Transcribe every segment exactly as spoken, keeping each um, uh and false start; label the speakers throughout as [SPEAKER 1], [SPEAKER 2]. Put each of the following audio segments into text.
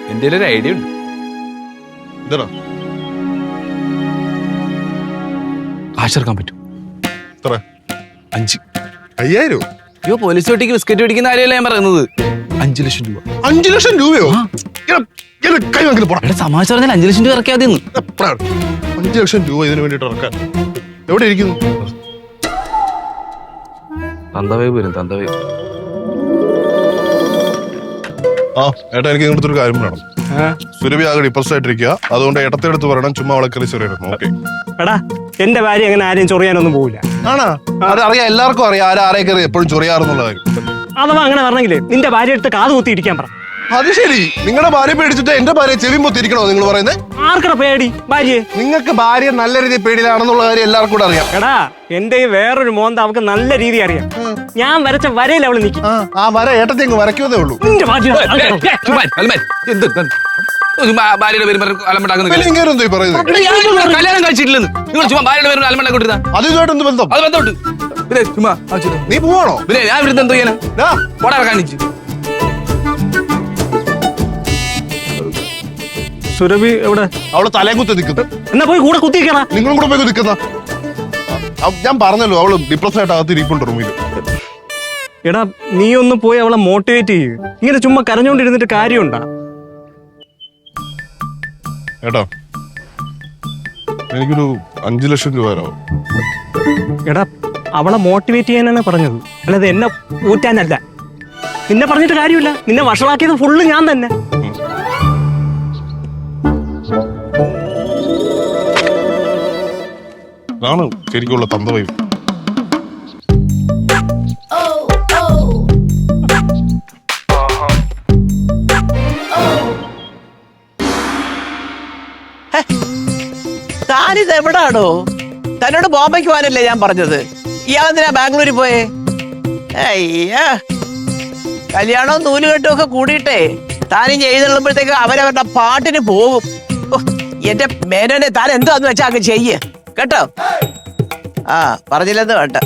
[SPEAKER 1] എന്റെ ഒരു ഐഡിയ ഉണ്ട്.
[SPEAKER 2] എന്താ
[SPEAKER 1] കാശെടുക്കാൻ പറ്റും. അഞ്ച്
[SPEAKER 2] അയ്യായിരം.
[SPEAKER 1] അയ്യോ പോലീസ് ഒട്ടിക്ക് ബിസ്ക്കറ്റ് പിടിക്കുന്ന കാര്യമല്ല ഞാൻ പറയുന്നത്. അഞ്ചു ലക്ഷം രൂപ.
[SPEAKER 2] അഞ്ചു ലക്ഷം രൂപയോ? കൈ വാങ്ങിട്ട് പോടാ.
[SPEAKER 1] സമാജം പറഞ്ഞാൽ അഞ്ചു ലക്ഷം രൂപ ഇറക്കിയാൽ മതി.
[SPEAKER 2] അഞ്ചു ലക്ഷം രൂപ ഇതിനു വേണ്ടിട്ട് ഇറക്കാൻ എവിടെ ഇരിക്കുന്നു?
[SPEAKER 1] തന്തവേ വരും തന്തവേ.
[SPEAKER 2] ആ ഏട്ടാ എനിക്ക് ഇങ്ങനത്തെ ഒരു കാര്യം വേണം. സുരഭി ആകെ ഡിപ്രസ് ആയിട്ടിരിക്കുക. അതുകൊണ്ട് ഏട്ടത്തെടുത്ത് പറയണം ചുമ്മാ അവളെ കയറി ചെറിയായിരുന്നു. ഓക്കെ
[SPEAKER 3] എടാ എന്റെ ഭാര്യ അങ്ങനെ ആരെയും ചൊറിയാനൊന്നും പോവില്ല.
[SPEAKER 2] ആണാ? അത് അറിയാം, എല്ലാവർക്കും അറിയാം ആരും ആരെ കയറി എപ്പോഴും ചൊറിയാറെന്നുള്ള കാര്യം.
[SPEAKER 3] അഥവാ അങ്ങനെ പറഞ്ഞെങ്കിലേ നിന്റെ ഭാര്യ എടുത്ത് കാത് കുത്തി ഇരിക്കാൻ പറ.
[SPEAKER 2] അത് ശരി, നിങ്ങളുടെ ഭാര്യ പേടിച്ചിട്ട് എന്റെ ഭാര്യ ചെവി പൊത്തിരിക്കണോ നിങ്ങൾ പറയുന്നത്?
[SPEAKER 3] ആർക്കട പേടി ഭാര്യയെ?
[SPEAKER 2] നിങ്ങൾക്ക് ഭാര്യ നല്ല രീതിയിൽ പേടിയിലാണെന്നുള്ള കാര്യം എല്ലാവർക്കും കൂടെ അറിയാം.
[SPEAKER 3] എടാ എന്റെ വേറൊരു മോന്ത അവൾക്ക് നല്ല രീതി അറിയാം. ഞാൻ വരച്ച വരയിൽ അവള് നിൽക്കും.
[SPEAKER 2] ആ വര ഏട്ടത്തെ അങ്ങ് വരയ്ക്കുന്നതേ ഉള്ളൂ.
[SPEAKER 3] നിന്റെ ഭാര്യ
[SPEAKER 1] ഭാര്യയുടെ പേര് അലമ്പണ്ടാക്കുന്ന
[SPEAKER 2] കല്യാണം
[SPEAKER 1] കഴിച്ചിട്ടില്ലെന്ന് നിങ്ങൾ ചുമ്മാ ഭാര്യയുടെ പേര് അലമ്പണ്ടാക്കി കൊടുത്താ
[SPEAKER 2] അതുമായിട്ട് എന്ത് ബന്ധം?
[SPEAKER 1] അത് ബന്ധമുണ്ട്. പിന്നെ ചുമ്മാ
[SPEAKER 2] നീ പോവാണോ?
[SPEAKER 1] പിന്നെ ഞാൻ ഇവിടുന്ന് എന്തോ ചെയ്യാനാ? പോടാ കാണിച്ചു.
[SPEAKER 3] സുരഭി എവിടെ?
[SPEAKER 2] അവള് തലയും കുത്തി നിൽക്കുന്നു.
[SPEAKER 3] എന്നാ പോയി കൂടെ കുത്തിയിരിക്കണ.
[SPEAKER 2] നിങ്ങളും കൂടെ പോയി നിൽക്കുന്ന. ഞാൻ പറഞ്ഞല്ലോ അവള് ഡിപ്രസ് ആയിട്ട് അകത്ത് ഇരിപ്പുണ്ട് റൂമിൽ.
[SPEAKER 3] എടാ നീ ഒന്ന് പോയി അവളെ മോട്ടിവേറ്റ് ചെയ്യ്. ഇങ്ങനെ ചുമ്മാ കരഞ്ഞോണ്ടിരുന്നിട്ട് കാര്യമുണ്ടാ?
[SPEAKER 2] ഏട്ടാ എനിക്കൊരു അഞ്ചു ലക്ഷം രൂപ തരാമോ?
[SPEAKER 3] എടാ അവളെ മോട്ടിവേറ്റ് ചെയ്യാനാണ് പറഞ്ഞത്, അല്ലാതെ എന്നെ ഊറ്റാനല്ല. നിന്നെ പറഞ്ഞിട്ട് കാര്യമില്ല. നിന്നെ വഷളാക്കിയത് ഫുള്ള് ഞാൻ തന്നെ.
[SPEAKER 2] ആണ് ശരിക്കുള്ള തന്തവയും.
[SPEAKER 4] താനിത് എവിടാണോ? തന്നോട് ബോംബെക്ക് പോകാനല്ലേ ഞാൻ പറഞ്ഞത്? ഇയാളെന്തിനാ ബാംഗ്ലൂരിൽ പോയേ? അയ്യാ കല്യാണവും നൂലുകെട്ടും ഒക്കെ കൂടിയിട്ടേ താനും ചെയ്തുള്ളുമ്പോഴത്തേക്ക് അവരവരുടെ പാട്ടിന് പോകും. എന്റെ മേനോനെ താൻ എന്താന്ന് വെച്ചാ അങ്ങ് ചെയ്യ് കേട്ടോ. ആ പറഞ്ഞില്ലെന്ന് വേണ്ട.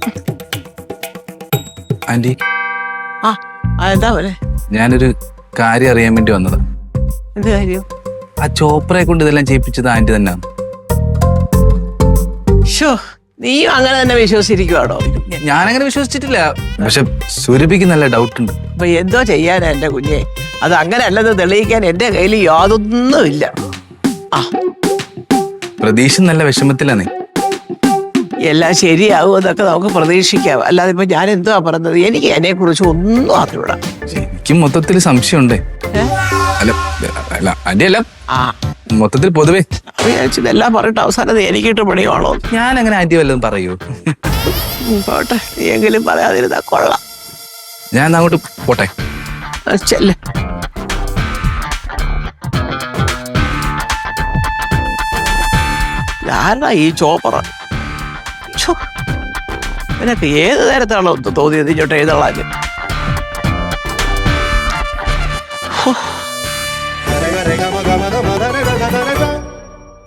[SPEAKER 1] ആന്റി
[SPEAKER 4] ആ എന്താ പോലെ?
[SPEAKER 1] ഞാനൊരു കാര്യം അറിയാൻ വേണ്ടി വന്നതാ.
[SPEAKER 4] എന്ത് കാര്യം?
[SPEAKER 1] ആ ചോപ്രയെ കൊണ്ട് ഇതെല്ലാം ചെയ്യിപ്പിച്ചത് ആന്റി തന്നെയാണ്.
[SPEAKER 4] ഷോ നീയും അങ്ങനെ തന്നെ വിശ്വസിച്ചിരിക്കുവാണോ?
[SPEAKER 1] ഞാനങ്ങനെ വിശ്വസിച്ചിട്ടില്ല, പക്ഷെ സുരഭിക്ക് നല്ല ഡൗട്ട് ഉണ്ട്.
[SPEAKER 4] അപ്പൊ എന്തോ ചെയ്യാനാ എന്റെ കുഞ്ഞെ? അത് അങ്ങനെ അല്ലെന്ന് തെളിയിക്കാൻ എന്റെ കയ്യിൽ യാതൊന്നുമില്ല. ആ
[SPEAKER 1] പ്രതീക്ഷ നല്ല വിഷമത്തിലാണേ.
[SPEAKER 4] എല്ലാം ശരിയാവും എന്നൊക്കെ നമുക്ക് പ്രതീക്ഷിക്കാം. അല്ലാതെ ഇപ്പൊ ഞാൻ എന്തുവാ പറഞ്ഞത്? എനിക്ക് അതിനെ കുറിച്ച് ഒന്നും അറിഞ്ഞൂടാ.
[SPEAKER 1] എനിക്ക് മൊത്തത്തിൽ സംശയമുണ്ടേ. അല്ല അല്ല ആന്റി അല്ല,
[SPEAKER 4] ആ
[SPEAKER 1] മൊത്തത്തിൽ പൊതുവേ
[SPEAKER 4] വിചാരിച്ചതെല്ലാം പറഞ്ഞിട്ട് അവസാനം എനിക്കിട്ട് പണിയാണോ?
[SPEAKER 1] ഞാൻ അങ്ങനെ ആന്റി വല്ലതും പറയൂ?
[SPEAKER 4] പോട്ടെ, നീ എങ്കിലും പറയാതിരുന്നാ കൊള്ളാം.
[SPEAKER 1] ഞാൻ അങ്ങോട്ട് പോട്ടെ.
[SPEAKER 4] ചെല്ല്. ആരാ ഈ ചോപ്പറ? നിനക്ക് ഏത് നേരത്താണോ തോന്നിയത് ഇങ്ങോട്ട് എഴുതള്ളാൻ?